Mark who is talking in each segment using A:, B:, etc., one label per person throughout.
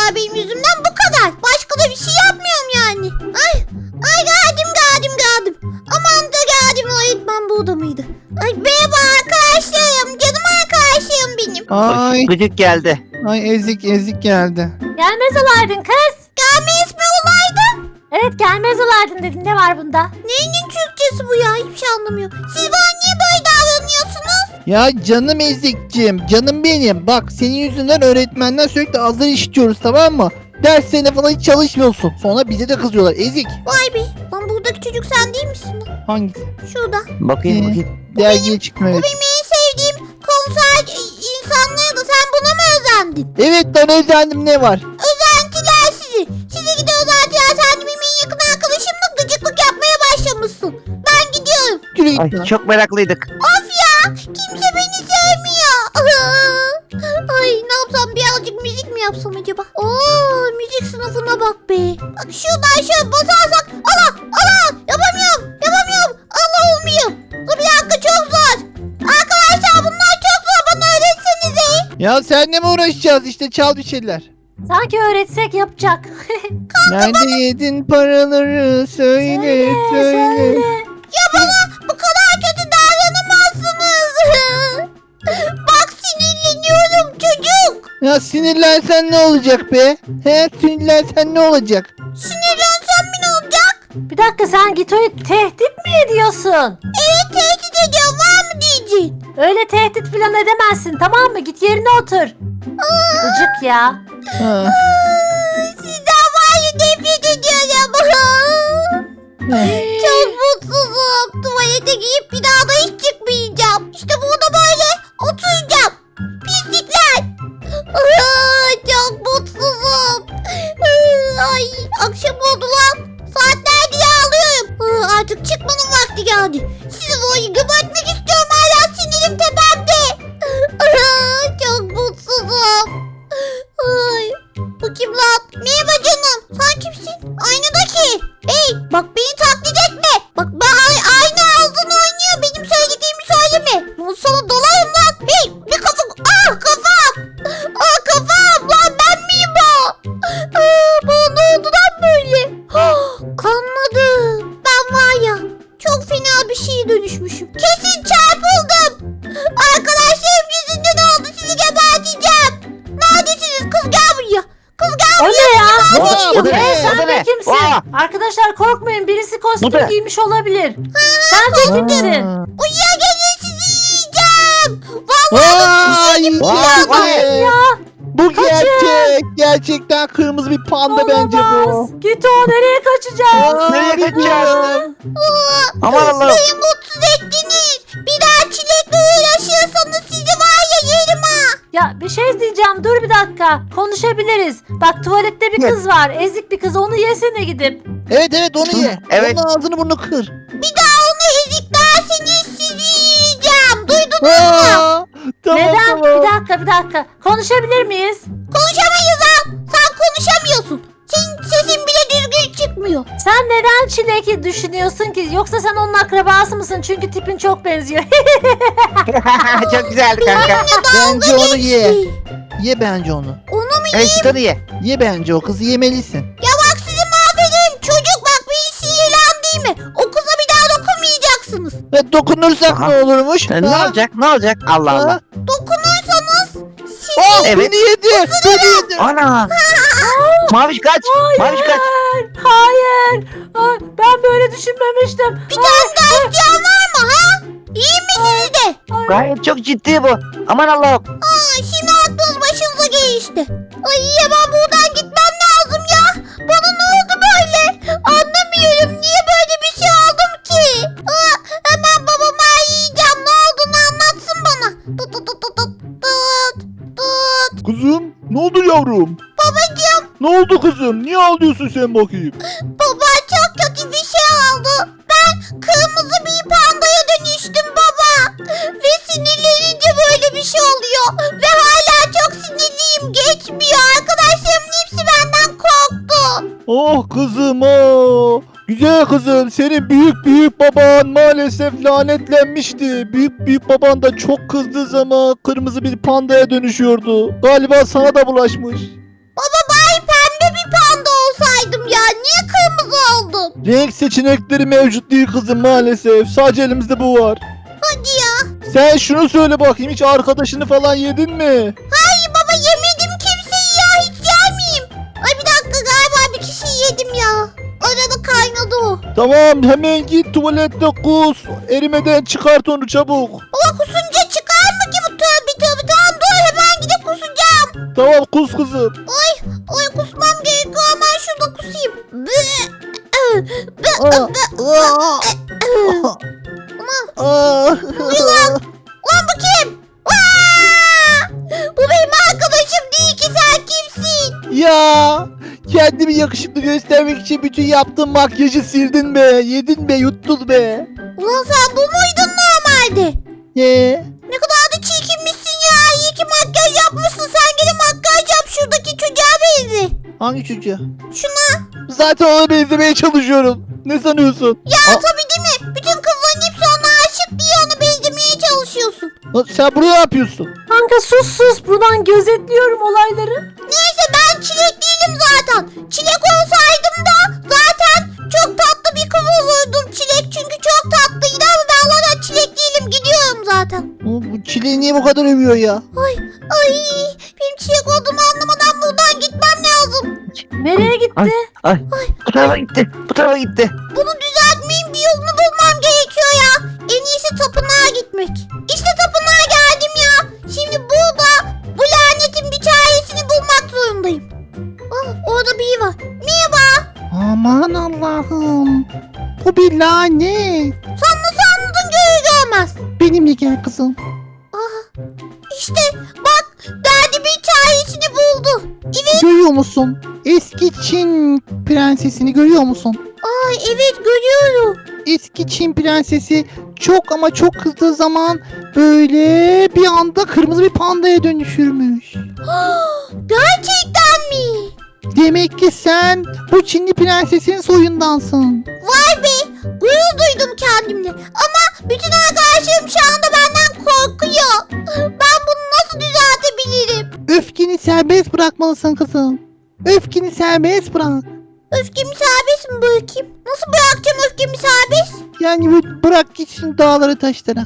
A: yapıyorlar benim yüzümden, bu kadar. Başka da bir şey yapmıyorum yani. Ay geldim. Aman da geldim, öğretmen burada mıydı? Ay merhaba arkadaşlarım, canım arkadaşlarım benim.
B: Ay
C: Gıcık geldi.
B: ezik geldi.
D: Gelmez olaydın kız.
A: Gelmeyiz mi olaydı?
D: Evet gelmez olaydın dedin. Ne var bunda?
A: Neyinin Türkçesi bu ya? Hiçbir şey anlamıyorum. Siz bana niye böyle davranıyorsunuz?
B: Ya canım ezikciğim, canım benim. Bak senin yüzünden öğretmenden sürekli azar işitiyoruz, tamam mı? Derslerine falan hiç çalışmıyorsun. Sonra bize de kızıyorlar. Ezik.
A: Vay be. Lan buradaki çocuk sen değil misin lan?
B: Hangisi?
A: Şurada.
C: Bakayım.
B: Dergiye çıktım, evet.
A: Benim en sevdiğim konser insanlarıydı. Sen buna mı özendin?
B: Evet lan özendim, ne var?
A: Özentiler sizi. Size gide özentiler. Sen de benim en yakın arkadaşımla gıcıklık yapmaya başlamışsın. Ben gidiyorum.
B: Yürü git
C: Ay
B: lan.
C: çok meraklıydık.
A: Of ya. Kimse beni sevmiyor. Ay ne yapsam, birazcık müzik mi yapsam acaba? Oo, müzik sınıfına bak be. Bak şuradan şöyle basarsak. Allah. Yapamıyorum. Allah olmuyor. Dur bir dakika, çok zor. Arkadaşlar bunlar çok zor. Bana öğretsenize.
B: Ya seninle mi uğraşacağız, işte çal bir şeyler.
D: Sanki öğretsek yapacak.
B: Nerede yedin paraları, söyle.
A: Ya bana bu kadar kötü davranamazsınız. Bak sinirleniyorum çocuk.
B: Ya sinirlensen ne olacak be? Sinirlensen ne olacak?
A: Sinirlensem mi ne olacak?
D: Bir dakika, sen Gito'yu tehdit mi ediyorsun?
A: Evet, tehdit ediyorum, var mı diyeceksin?
D: Öyle tehdit falan edemezsin, tamam mı? Git yerine otur. Gıcık ya.
B: Ha.
A: Sizden var ya, nefret ediyorum. Çok mutsuzum. Tuvalete giyip bir daha da hiç çıkmayacağım. İşte burada böyle oturacağım. Pislikler. Çok mutsuzum. Ay, akşam oldu lan. Saatlerdir ağlıyorum. Artık çıkmanın vakti geldi. Sizi böyle gebertmek istiyorum, hala sinirim tepemde. Çok mutsuzum. Ay, bu kim lan? Merhaba canım. Sen kimsin? Aynadaki. Hey, bak beni taklit etme. Bak aynı ağzın oynuyor. Benim söylediğimi söyleme. Bu sana dolayım lan. Hey, bir kafam. Kafam. Kafam lan, ben miyim o? Bana ne oldu lan böyle? Anladım. Ben var ya, çok fena bir şeye dönüşmüşüm. Kesin çarpıldım. Arkadaşlarım yüzünden oldu. Sizi geberteceğim. Neredesiniz? Kız gel buraya. Kız gel
D: O
A: buraya.
D: ne ya?
C: O da ne?
D: Sen
C: O da
D: de
C: ne?
D: kimsin?
C: Aa!
D: Arkadaşlar korkmayın, birisi
C: Bu
D: kostüm
C: da-
D: giymiş olabilir. Sen de kimsin?
A: Uyuya gelin, sizi yiyeceğim.
C: Vay.
D: Ya
B: Bu gerçek. Gerçekten kırmızı bir panda bence bu.
D: olamaz. Gito, nereye kaçacağız?
C: Nereye kaçacağız?
B: bilmiyorum.
C: Aman Allah'ım.
A: Beni mutsuz ettiniz. Bir daha çilekle uğraşırsanız sizi var ya yerim ha.
D: Ya bir şey diyeceğim, dur bir dakika. Konuşabiliriz. Bak tuvalette bir kız var. Ezik bir kız, onu yesene gidip.
B: Evet onu ye.
C: Evet.
B: Onun ağzını burnunu kır.
A: Bir daha onu eziklerseniz sizi yiyeceğim. Duydunuz mu?
B: Tamam,
D: Neden?
B: tamam.
D: Bir dakika. Konuşabilir miyiz?
A: Konuşamayız lan. Sen konuşamıyorsun. Senin sesin bile düzgün çıkmıyor.
D: Sen neden Çilek'i düşünüyorsun ki? Yoksa sen onun akrabası mısın? Çünkü tipin çok benziyor.
C: Çok güzeldi kanka.
B: Bence onu ye. Ye bence onu.
A: Onu mu
C: Evet çıkanı ye.
B: Ye bence o kızı, yemelisin.
A: Ya bak, sizi mahvederim. Çocuk bak, beni sinirlendirme. O kıza bir daha dokunmayacaksınız.
B: Ve dokunursak
C: Aha.
B: ne olurmuş?
C: Ne
B: Ha?
C: olacak? Ne olacak? Allah
B: Ha?
C: Allah.
A: Dokunursanız sizi...
C: Evet.
B: Beni yedi. Beni yedi.
C: Ana. Maviş kaç. Maviş kaç.
D: Hayır. Ay, ben böyle düşünmemiştim.
A: Bir tane daha isteyen var mı ha? İyi misiniz de?
C: Gayet çok ciddi bu. Aman Allah'ım.
A: Şimdi aklınız başınıza gelişti. Ay hemen buradan gitmem lazım ya. Bana ne oldu böyle? Anlamıyorum. Niye böyle bir şey oldum ki? Hemen babama yiyeceğim. Ne olduğunu anlatsın bana. Tut tut tut tut tut tut.
B: Kızım ne oldu yavrum?
A: Babacığım,
B: Ne oldu kızım? Niye ağlıyorsun sen bakayım?
A: baba çok kötü bir şey oldu. Ben kırmızı bir pandaya dönüştüm baba. Ve sinirlenince böyle bir şey oluyor. Ve hala çok sinirliyim. Geçmiyor. Arkadaşlarımın hepsi benden korktu.
B: Oh kızım oh. Güzel kızım, senin büyük baban maalesef lanetlenmişti. Büyük baban da çok kızdığı zaman kırmızı bir pandaya dönüşüyordu. Galiba sana da bulaşmış.
A: Baba bay mutsuzum.
B: Renk seçenekleri mevcut değil kızım maalesef. Sadece elimizde bu var.
A: Hadi ya.
B: Sen şunu söyle bakayım, hiç arkadaşını falan yedin mi?
A: Hayır baba yemedim kimseyi ya. Hiç yer miyim? Ay bir dakika galiba bir kişiyi yedim ya. Arada kaynadı o.
B: Tamam, hemen git tuvalette kus. Erimeden çıkart onu çabuk.
A: Baba kusunca çıkar mı ki bu tövbe tövbe. Tamam dur hemen gidip kusacağım.
B: Tamam, kus kızım.
A: Ay kusmam gerekiyor hemen şurada kusayım. Ulan bu kim? Aa! Bu benim arkadaşım değil ki sen kimsin?
B: Ya kendimi yakışıklı göstermek için bütün yaptığım makyajı sildin be. Yedin be, yuttun be.
A: Ulan sen bu muydun normalde? Ne kadar da çirkinmişsin ya. İyi ki makyaj yapmışsın. Sen gene makyaj yap şuradaki çocuğa benzi.
B: Hangi çocuğa?
A: Şuna.
B: Zaten ona benzemeye çalışıyorum. Ne sanıyorsun?
A: Ya tabii değil mi? Bütün kızların hepsi ona aşık diye ona benzemeye çalışıyorsun.
B: Sen burada ne yapıyorsun?
D: Kanka sus buradan gözetliyorum olayları.
A: Neyse ben çilek değilim zaten. Çilek olsaydım da zaten çok tatlı bir kız olurdum. Çilek çünkü çok tatlıydı ama ben zaten çilek değilim. Gidiyorum zaten.
B: Bu çileği niye bu kadar övüyor ya?
A: Ay benim çilek olduğumu anlamadan buradan gitmem lazım.
D: Nereye gitti?
C: Ay. Bu tarafa gitti. Bu tarafa gitti.
A: Bunu düzeltmeyin bir yolunu bulmam gerekiyor ya. En iyisi tapınağa gitmek. İşte tapınağa geldim ya. Şimdi burada bu lanetin bir çaresini bulmak zorundayım. Orada biri var. Merhaba.
B: Aman Allah'ım. Bu bir lanet.
A: Sen nasıl anladın görür görmez.
B: Benimle gel kızım.
A: İşte bak derdimin çaresini buldu. Evet.
B: Görüyor musun? Eski Çin prensesini görüyor musun?
A: Ay evet görüyorum.
B: Eski Çin prensesi çok ama çok kızdığı zaman böyle bir anda kırmızı bir pandaya dönüşürmüş.
A: Gerçekten mi?
B: Demek ki sen bu Çinli prensesin soyundansın.
A: Vay be gurur duydum kendimle. Ama bütün arkadaşlarım şu anda benden korkuyor. Ben bunu nasıl düzeltebilirim?
B: Öfkeni serbest bırakmalısın kızım. Öfkeni serbest bırak.
A: Öfkemi serbest mi bırakayım? Nasıl bırakacağım öfkemi serbest?
B: Yani böyle bırak gitsin dağları taşlara.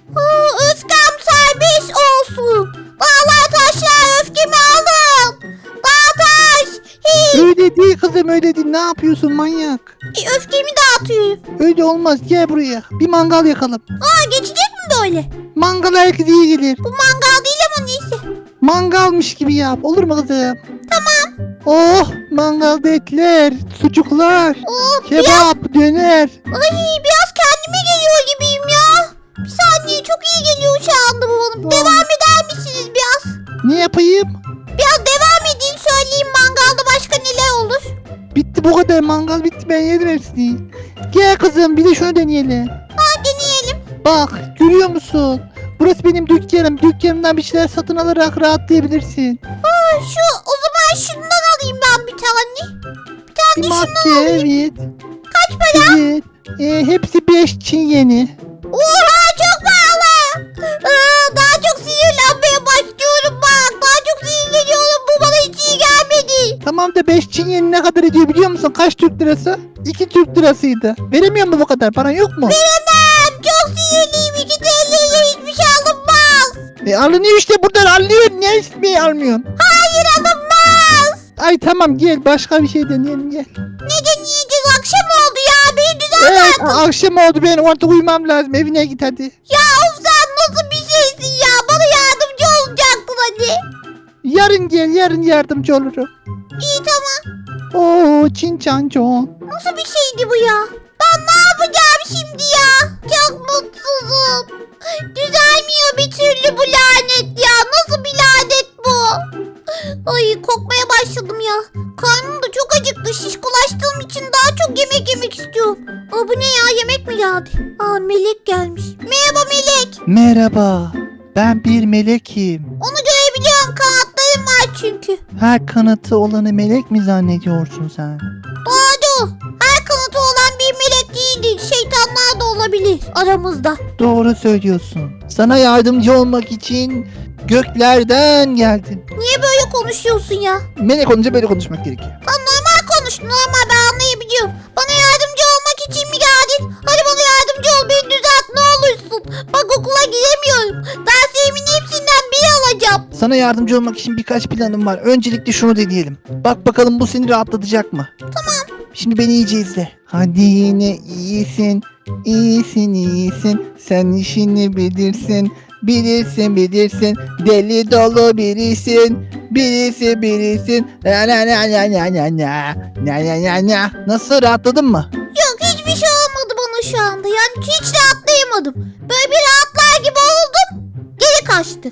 A: Öfkem serbest olsun. Dağlar taşlar öfkemi alın. Dağ taş. Hey.
B: Öyle değil kızım, öyle değil. Ne yapıyorsun manyak?
A: Öfkemi dağıtıyorum.
B: Öyle olmaz, gel buraya. Bir mangal yakalım.
A: Geçecek mi böyle?
B: Mangal herkese iyi gelir.
A: Bu mangal değil ama neyse.
B: Mangalmış gibi yap, olur mu kızım? Tamam. Oh, mangalda etler, sucuklar, kebap, döner.
A: Ay biraz kendime geliyor gibiyim ya. Bir saniye çok iyi geliyor şu anda bu bana. Devam eder misiniz biraz?
B: Ne yapayım?
A: Biraz devam edin söyleyeyim mangalda başka neler olur?
B: Bitti, bu kadar mangal bitti, ben yedim hepsini. Gel kızım, bir de şunu deneyelim.
A: Deneyelim.
B: Bak, görüyor musun? Burası benim dükkanım. Dükkanımdan bir şeyler satın alarak rahatlayabilirsin.
A: O zaman şundan alayım ben bir tane. Bir
B: Bir
A: tane şundan
B: maske,
A: alayım.
B: evet.
A: Kaç para?
B: Evet. Hepsi 5 Çin yeni.
A: Oha çok pahalı. Daha çok sinirlenmeye başlıyorum bak. Daha çok sinirleniyorum. Bu bana hiç iyi gelmedi.
B: Tamam da 5 Çin yeni ne kadar ediyor biliyor musun? Kaç Türk lirası? 2 Türk lirasıydı. Veremiyor mu bu kadar? Paran yok mu?
A: Veremem. Çok sinirliyim. 2 TL'ye hiçbir şey alınmaz.
B: Alınıyor işte, buradan alıyorsun. Niye ismi almıyorsun?
A: Hayır alınmaz.
B: Ay tamam, gel başka bir şey deneyelim, gel.
A: Ne deneyeceğiz? Akşam oldu ya. Beni düzelt.
B: Evet, akşam oldu, ben artık uyumam lazım. Evine git hadi.
A: Ya of sen nasıl bir şeysin ya? Bana yardımcı olacaktın hadi.
B: Yarın gel, yarın yardımcı olurum.
A: İyi tamam.
B: Oo, Çin Çan Çon.
A: Nasıl bir şeydi bu ya? Ben ne yapacağım şimdi ya? Çok mutsuzum. Düzelmiyor bir türlü bu lanet ya. Nasıl bir lanet bu? Ay kokmaya başladım ya. Karnım da çok acıktı. Şişkolaştığım için daha çok yemek yemek istiyorum. Bu ne ya? Yemek mi geldi? Melek gelmiş. Merhaba Melek.
B: Merhaba, ben bir melekim.
A: Onu görebiliyorum. Kanatlarım var çünkü.
B: Her kanatı olanı melek mi zannediyorsun sen?
A: Doğru. Her kanatı olan bir melek değildir. Şeytanlar da olabilir aramızda.
B: Doğru söylüyorsun. Sana yardımcı olmak için göklerden geldim.
A: Niye böyle konuşuyorsun ya?
B: Melek olunca böyle konuşmak gerekiyor.
A: Normal konuş. Normal ben anlayabiliyorum. Bana yardım Derslerimin hepsinden biri alacağım.
B: Sana yardımcı olmak için birkaç planım var. Öncelikle şunu deneyelim. Bak bakalım bu seni rahatlatacak mı? Tamam. Şimdi beni iyice izle. Hadi yine iyisin. İyisin iyisin. Sen işini bilirsin. Bilirsin. Deli dolu birisin. Birisin. Na. Nasıl, rahatladın mı?
A: Yok, hiçbir şey olmadı bana şu anda. Yani hiç rahatlayamadım. Böyle bir rahatlar gibi oldum. Geri kaçtı.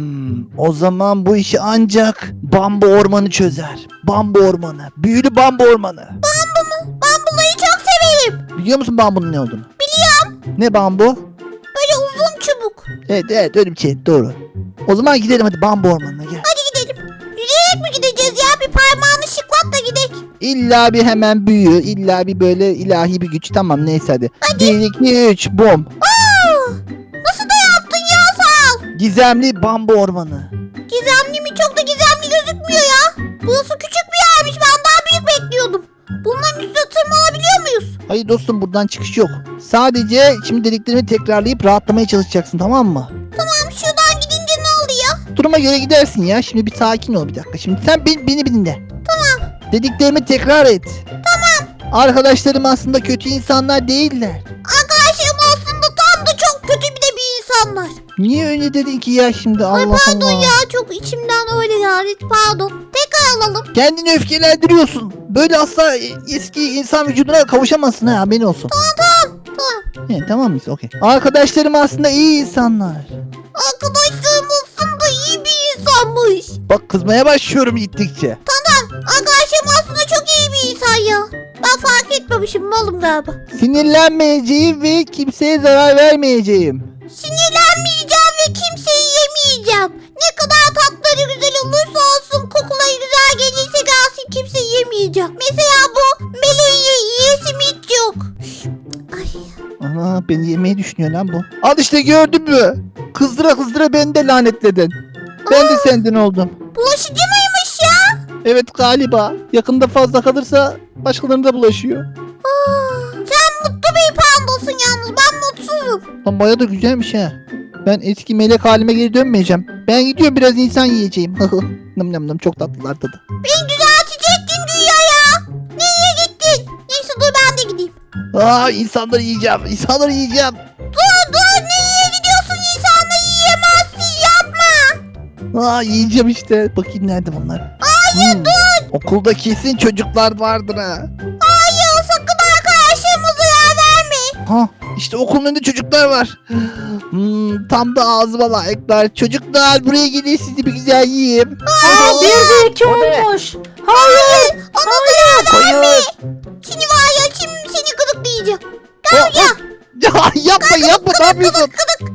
B: O zaman bu işi ancak bambu ormanı çözer. Bambu ormanı. Büyülü bambu ormanı.
A: Bambuları çok severim.
B: Biliyor musun bambunun ne olduğunu? Biliyorum. Ne bambu?
A: Böyle uzun çubuk.
B: Evet öyle bir şey, doğru. O zaman gidelim hadi bambu ormanına, gel.
A: Hadi gidelim. Yürüyerek mi gideceğiz ya? Bir parmağını şıklat da gidelim.
B: İlla bir hemen büyü, illa bir böyle ilahi bir güç. Tamam neyse hadi. 1, 2, 3 bom.
A: Nasıl da yaptın ya, sağ ol.
B: Gizemli bambu ormanı.
A: Gizemli mi? Çok da gizemli gözükmüyor ya. Burası küçük bir yermiş. Ben daha büyük bekliyordum. Bunların üstüne tırmanabiliyor muyuz?
B: Hayır dostum, buradan çıkış yok. Sadece şimdi dediklerimi tekrarlayıp rahatlamaya çalışacaksın, tamam mı?
A: Tamam, şuradan gidince ne oluyor?
B: Duruma göre gidersin ya. Şimdi bir sakin ol bir dakika. Şimdi sen beni dinle. Tamam. Dediklerimi tekrar et. Tamam. Arkadaşlarım aslında kötü insanlar değiller.
A: Arkadaşlarım aslında tam da çok kötü bir insanlar.
B: Niye öyle dedin ki ya şimdi,
A: Ay
B: Allah
A: pardon
B: Allah.
A: ya, çok içimden öyle yani, pardon. Tekrar alalım.
B: Kendini öfkelendiriyorsun. Böyle asla eski insan vücuduna kavuşamazsın ha, haberin olsun.
A: Tamam.
B: Tamam mıyız? Okey. Arkadaşlarım aslında iyi insanlar.
A: Arkadaşlarım aslında iyi bir insanmış.
B: Bak kızmaya başlıyorum gittikçe.
A: Arkadaşlarım aslında çok iyi bir insan ya. Ben fark etmemişim, malım galiba.
B: Sinirlenmeyeceğim ve kimseye zarar vermeyeceğim.
A: Sinirlenmeyeceğim ve kimseyi yemeyeceğim. Ne kadar tatları güzel olursa olsun, kokuları güzel gelirse gelsin, kimseyi yemeyeceğim. Mesela bu meleği yiyesim hiç yok. Ay.
B: Ana, beni yemeyi düşünüyor lan bu. Al işte, gördün mü? Kızdıra beni de lanetledin. Ben de senden oldum.
A: Bulaşıcı mıymış ya?
B: Evet galiba. Yakında fazla kalırsa başkalarına da bulaşıyor.
A: Sen mutlu bir pandasın yalnız, ben mutsuzum.
B: Lan baya da güzelmiş ha. Ben eski melek halime geri dönmeyeceğim. Ben gidiyorum, biraz insan yiyeceğim. Nım çok tatlılar tadı.
A: Beni düzeltecektin güya ya. Nereye gittin? Neyse dur, ben de gideyim.
B: İnsanları yiyeceğim.
A: Dur, nereye gidiyorsun? İnsanları yiyemezsin, yapma.
B: Yiyeceğim işte. Bakayım nerede bunlar. Hayır dur. Okulda kesin çocuklar vardır ha.
A: Hayır, sakın arkadaşlarıma zarar verme.
B: İşte okulun önünde çocuklar var. Tam da ağzıma layıklar. Çocuklar buraya gelin, sizi bir güzel yiyeyim.
D: Aa, 1'de 2
C: O ne?
D: olmuş. Hayır.
A: Ona zarar verme.
C: Hayır.
A: Şimdi var ya, şimdi seni gıdıklayacağım.
B: Ya yapma ne yapıyorsun?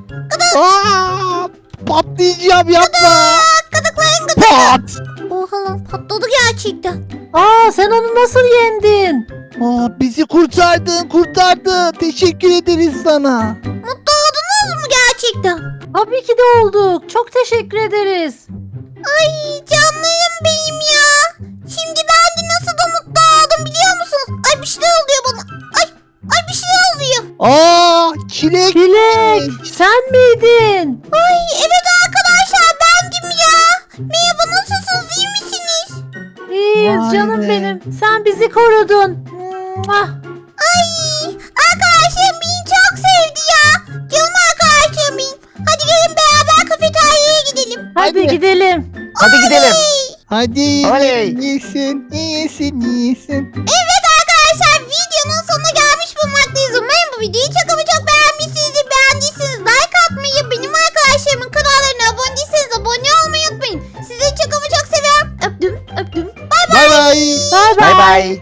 B: Patlayacağım, yapma.
A: Gıdıklayın
B: Pat.
A: Oha lan, patladı gerçekten.
D: Aa, sen onu nasıl yendin?
B: Bizi kurtardın. Teşekkür ederiz sana.
A: Mutlu oldunuz mu gerçekten?
D: Tabii ki de olduk. Çok teşekkür ederiz.
A: Ay canlarım benim ya. Şimdi ben de nasıl da mutlu oldum biliyor musunuz? Ay bir şeyler oluyor bana. Ay bir şeyler oluyor.
B: Çilek.
D: Çilek, sen miydin?
A: Ay evet arkadaşlar, bendim ya. Merhaba, nasılsınız, iyi misiniz?
D: İyiyiz
B: Vay
D: canım
B: be.
D: benim. Sen bizi korudun. Mwah.
A: Ay arkadaşlarım beni çok sevdi ya. Canım arkadaşlarım benim. Hadi gelin beraber kafeteryaya gidelim.
D: Hadi
B: Hadi.
D: gidelim.
C: Hadi gidelim.
B: Hadi.
C: Oley.
B: İyisin.
A: Evet arkadaşlar, videonun sonuna gelmiş bulunmaktayız. Umarım bu videoyu çok ama çok beğenmişsinizdir. Beğendiyseniz like atmayı, benim arkadaşlarımın kanallarına abone değilseniz abone olmayı unutmayın. Sizi çok ama çok seviyorum. Öptüm.
B: Bay bay.
D: Bay
C: Bay
D: bay.
C: bay.